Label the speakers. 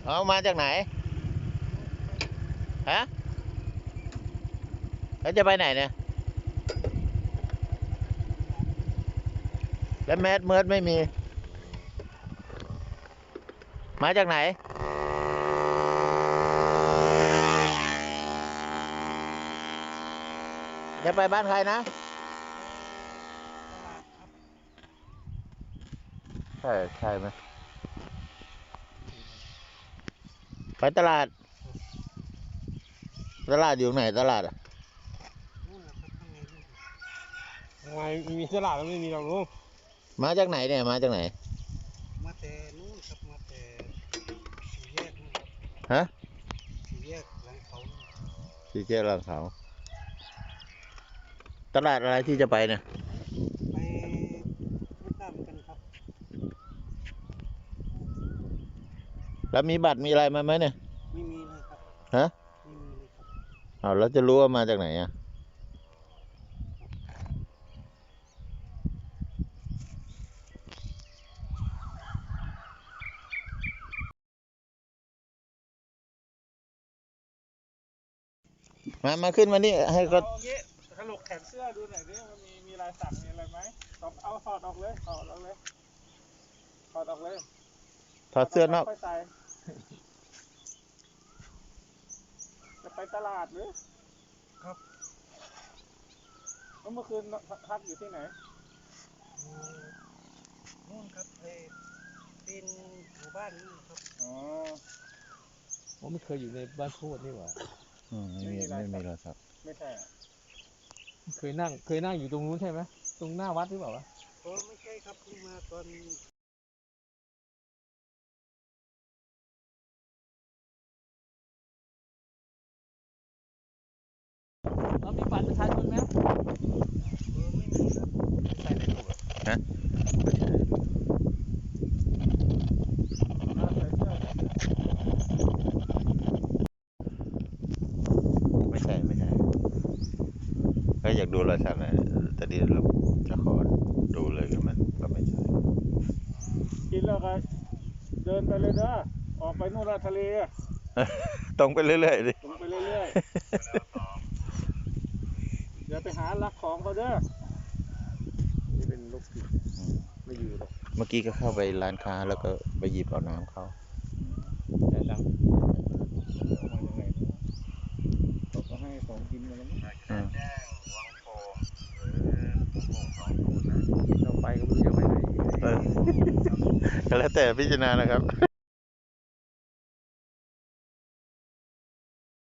Speaker 1: เอามาจากไหนฮะแล้วจะไปไหนเนี่ยแล้วแมสเมิร์ดไม่มีมาจากไหนจะไปบ้านใครนะใช่ไหมไปตลาดอยู่ไหนตลาดอ่ะ
Speaker 2: ทำไมมีตลาดแล้วไม่มีเราลุง
Speaker 1: มาจากไหนเนี่ยมาจากไหน
Speaker 3: มาแต่นู้นครับมาแต่สี่แยกนู่นครับ
Speaker 1: ฮะ
Speaker 3: สี่แยกหลังเขา
Speaker 1: ที่เจ้าลังเขาตลาดอะไรที่จะไปเนี่ย
Speaker 3: ไปไม่ทราบเหมือนกันครับ
Speaker 1: แล้วมีบัตรมีอะไรมาไหมเนี่ย
Speaker 3: ไม่มีเลยครับ
Speaker 1: ฮะ
Speaker 3: ไม่มีเลยครับ
Speaker 1: เอาแล้วจะรู้ว่ามาจากไหนอ่ะมาขึ้นมานี่ให้ก็
Speaker 2: โอเคถลกแขนเสื้อดูหน่อยดิมันมีลายสักมีอะไรไหมเอาถอดออกเลยถอดออกเลย
Speaker 1: ถอดเสื้อนอก
Speaker 2: ค่อยใส่จะไปตลาดหรือ
Speaker 3: ครับ
Speaker 2: เมื่อคืนพักอยู่ที่ไหน
Speaker 3: นู่นครับเป็นหมู่บ้านนี่ครับ
Speaker 2: อ๋อ
Speaker 4: ผมไม่เคยอยู่ในบ้านโคตรนี่หว่า
Speaker 1: ไม่มีโทรศัพท์
Speaker 2: ไม่ใช่
Speaker 4: เคยนั่งอยู่ตรงนู้นใช่ไหมตรงหน้าวัดหรือเปล่าวะ
Speaker 3: ไม่ใช่ครับเพิ่งมาตอน
Speaker 4: เรามีบัตรประชาชนไหม
Speaker 3: ไม่มีครับ
Speaker 4: ใส่ในตู้
Speaker 1: ฮะไม่ใช่ก็อยากดูรอยสักนะแต่ดีเราจะขอดูเลยก็ไม่ใช่
Speaker 2: กินแล้วก็เดินไปเลยเด้อออกไปนู่นละทะเล
Speaker 1: ตรงไปเรื่อยๆดิ
Speaker 2: ตรงไปเรื่อยๆเดี๋ยวไปหาลักของเขาเด้อ
Speaker 4: นี่เป็นลูกศิษย์ไม่อยู่หรอก
Speaker 1: เมื่อกี้ก็เข้าไปร้านค้าแล้วก็ไปหยิบเอาน้ำเขา
Speaker 4: แต่ตัง
Speaker 2: มายังไงเขาก็ให้ของกินมาแล้วมั้ง
Speaker 4: เราไปก็ไม่รู้จะไปไหน
Speaker 1: ก็แล้วแต่พิจารณานะครับ